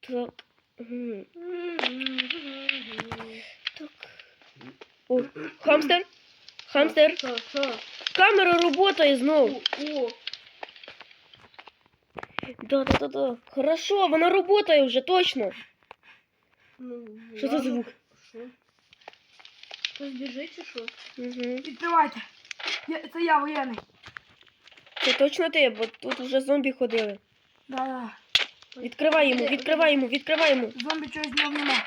Так. Так. О, хамстер. Хамстер. Що? Камера работает знову. О. Да. Хорошо, вона работает вже, точно. Ну, Що за звук? Що? Хтось біжить чи що? Угу. Відкривайте. Це я воєнний. Це точно ти, бо тут вже зомбі ходили. Да. Відкривай йому. Зомбі чогось в ньому нема.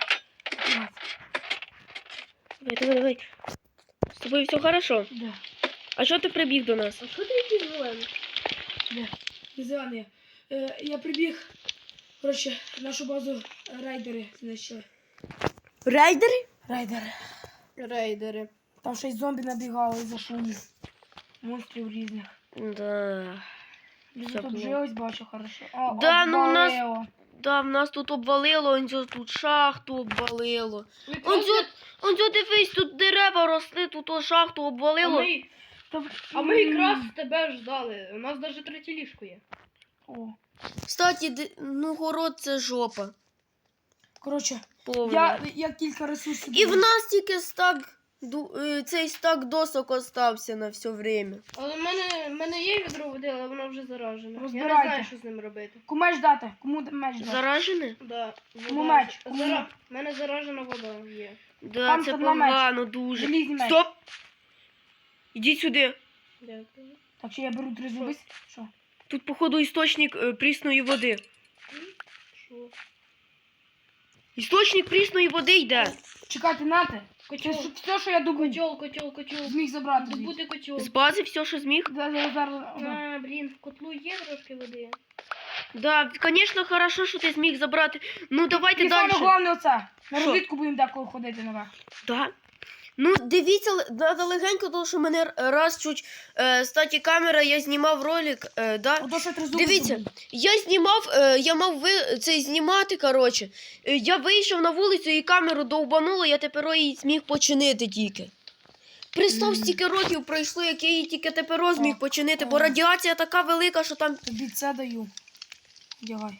Відкривайте. Давай. З тобою все хорошо. Да. А що ти прибіг до нас? А що ти якийсь зелений? Да. Зелений. Я прибіг. Коротше, нашу базу рейдери знищили. Рейдери? Рейдери. Там ще й зомбі набігали за шумів. Монстрів різних. Да. Люди Все тут було. жилось, бачу, хорошо. Да, ну у нас- обвалило. Да, в нас тут обвалило, он тут шахту обвалило. Он дивись, тут дерева росли, тут шахту обвалило. А ми якраз тебе ждали. У нас навіть третє ліжко є. О. Кстати, ну город це жопа. Коротше, Повна. я кілька ресурсів. І в нас тільки цей стак досок остався на все время. Але в мене є відро води, але воно вже заражене. Я не Розбирайте. знаю, що з ним робити. Кому дати? Кому меч дати? Заражене? Да, Кому меч? В мене заражена вода є. Да, Там це там на меч. погано дуже. Залізний меч. Стоп! Ідіть сюди. Дякую. Так що я беру 3 зуби. Що? Тут, походу, істочник прісної води. Що? Істочник прісної води йде. Чекайте, нате. Це Котел. все, що я добув. Котел. Зміг забрати. звідси. Добути котел. З бази все, що зміг. Зараз. А, блін, в котлу є трошки води. Да, звісно, хорошо, що ти зміг забрати. Ну, давайте І далі. саме головне оце. На Що? розвідку будемо деколи ходити наверх. Да. Ну, дивіться, надо легенько, тому що мене раз чуть, статі камера, я знімав ролик, да. Ото що 3 зуби. Дивіться, добув. я знімав, я мав цей знімати, коротше. Я вийшов на вулицю і камеру довбануло, я тепер її зміг починити тільки. Представ, стільки років пройшло, як я її тільки тепер зміг починити, бо радіація така велика, що там... Тобі це даю. Дягай.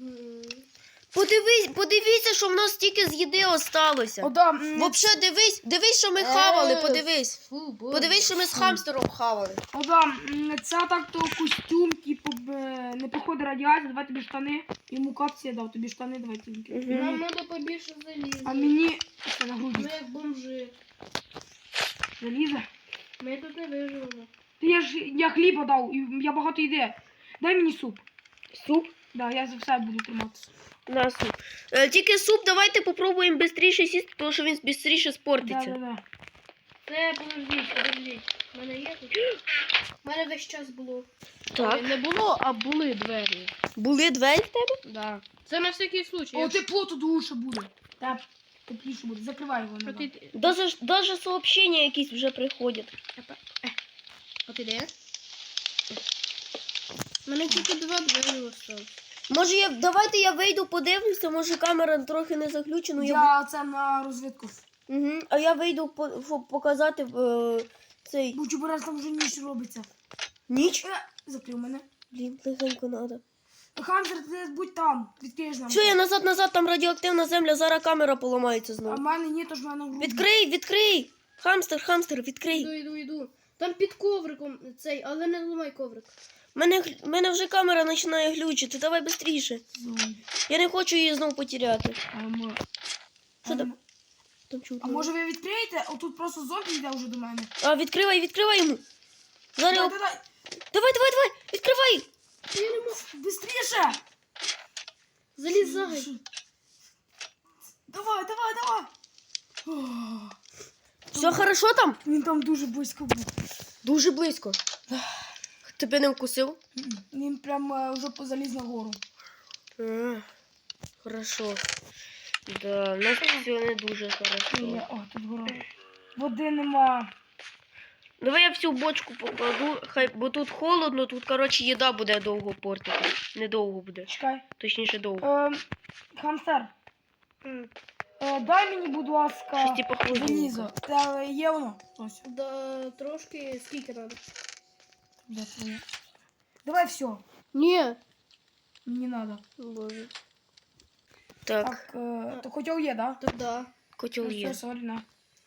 Подивіться, що в нас стільки з їди осталося. О, да, Вообще, дивись, що ми хавали, подивись. Фу, боже. Подивись, що ми з хамстером хавали. О, да, це так-то костюм, типу, не проходить радіація, давай тобі штани. Йому капці я дав, тобі штани, давай тобі. Нам треба побільше заліза. А мені це Ми нагрудник. як бомжи. Заліза. Ми тут не виживемо. Я хліба дав, і я багато йде. Дай мені суп. Суп? Да, я за все буду триматися. На суп. Тільки суп давайте попробуємо швидше сісти, тому що він швидше спортиться. Да. Це, подождіть. У мене є тут? У мене весь час було. Так. Не було, а були двері. Були двері в тебе? Да. Це на всякий случай. О, тепло тут лучше буде. Так, тепліше буде. Закривай його. А Назад. ти... Даже сообщення якісь вже приходять. А ти де? У мене тільки 2 двері осталось. Може давайте я вийду, подивлюся, може камера трохи не заключена. Я це на розвідку. Угу. А я вийду, щоб показати цей... Будь обережно, там вже ніч робиться. Ніч? Закрив мене. Блін, легенько надо. Хамстер, ти будь там. Відкриєш нам. Що я назад, там радіоактивна земля, зараз камера поламається А в знову. мене ні, тож в мене грудь. Відкрий! Хамстер, відкрий. Іду. Там під ковриком цей, але не ламай коврик. Мене вже камера починає глючити, давай швидше. Я не хочу її знову потеряти. Що там? Там чудо. А може ви відкриєте? Отут просто зомбі йде вже до мене. А, відкривай йому. Зараз. Давай. Давай, відкривай. Быстріше! Залізай. Давай. Все хорошо там? Він там дуже близько був. Дуже близько. Тебе не вкусив? Він прям вже заліз на гору. Хорошо. Да, у нас все не дуже хорошо. О, тут гора. Води нема. Давай я всю бочку покладу, бо тут холодно, тут, коротше, їда буде довго портити. Недовго буде. Чекай. Точніше, довго. Хамстер. Дай мені, будь ласка, Щось типу холодненько. желізо. Та є воно? Ось. Да, трошки, скільки треба? Де твоє? Давай все. Ні. Не надо. Боже. Так, Так, то котел є, да? Так, да. котел Ну, є. все, сорі, на.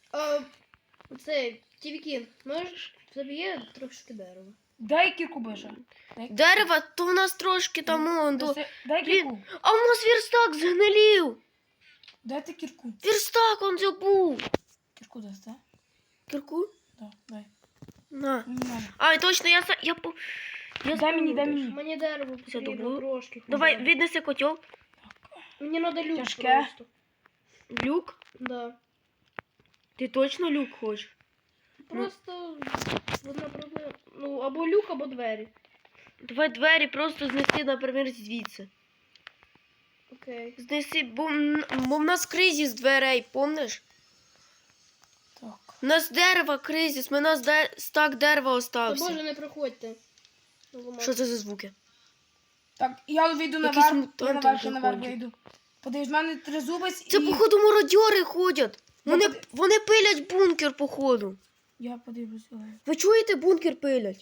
Цей, Тівікін, можеш заб'є трошки дерева. Дай кірку більше. Дерева, то в нас трошки там он. Дай Блін. кірку. А у нас верстак згнилів. Дайте кірку. Верстак он забув. Кірку дасте? Кірку? Да, дай. На. Мені надо. А, точно, я Дай мені, дай забув. мені. Мені дерево Все, потрібно добре. трошки. Давай, хоча б. віднеси котел. Мені треба люк Тяжке. просто. Люк? Да. Ти точно люк хочеш? Просто одна проблема. Ну, або люк, або двері. Давай двері просто знеси, наприклад, звідси. Окей. Знеси, бо в нас кризис дверей, помниш? Так. У нас дерева кризис, у нас стак дерева Та остався. боже, не приходьте. Що це за звуки? Так, я вийду Якісь наверх. Я мутанти наверх, вже я наверх ходять. вийду. Подивись, в мене тризубець Це, і... походу, мародьори ходять. Ну, Вони пилять бункер, походу. Я подивлюсь. Ви чуєте, бункер пилять?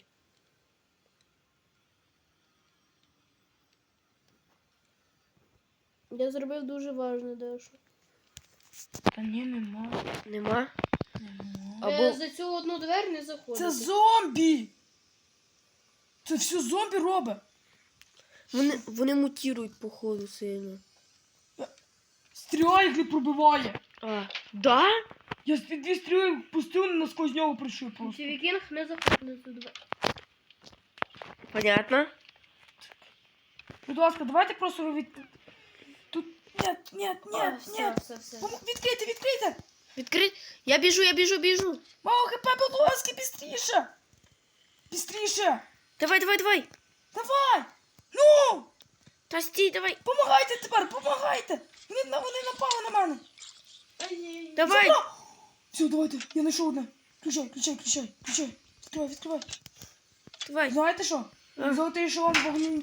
Я зробив дуже важне дещо. Та ні, нема. Нема. Нема. Або- За цю одну двері не заходите. Це зомбі! Це все зомбі робить. Вони мутірують, походу, сильно. Стріляє, їх не пробиває. А, да? Я з-під дві стріли пустив, насквозь нього прийшов просто. Тівікінг не заходить за двері. Понятно. Будь ласка, давайте просто ви від... Тут... Нет. Все. Відкрийте, відкрийте! Відкрий. Я біжу. Мало хп, будь ласка, бістріше! Бістріше! Давай. Давай! Ну! Та стій, давай. Помагайте тепер, помагайте! Вони напали на мене! Давай. Все, давайте, я знайшов одне. Включай. Відкривай. Давай. Знаєте що? А. Золотий ешелон вогню.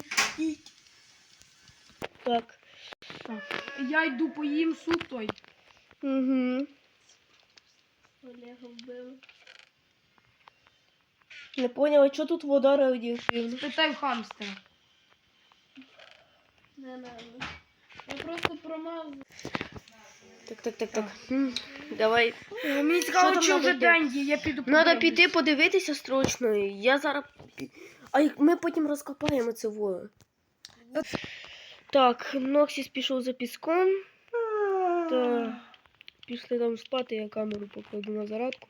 Так. Я йду поїм суп той. Угу. Олега вбили. Не поняла, що тут вода радіоактивна. Питай в хамстера. Не надо. Я просто промазав. Так. Давай. Мені цікаво, там чи надо вже йти? день є, я піду Надо подивлюсь. піти подивитися срочно. Я зараз. Ми потім розкопаємо це воду. Так, Ноксіс пішов за піском. Так. Пішли там спати, я камеру покладу на зарядку.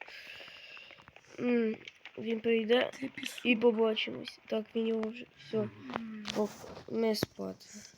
Він прийде і побачимось. Так, він його вже. Все. Ми спати.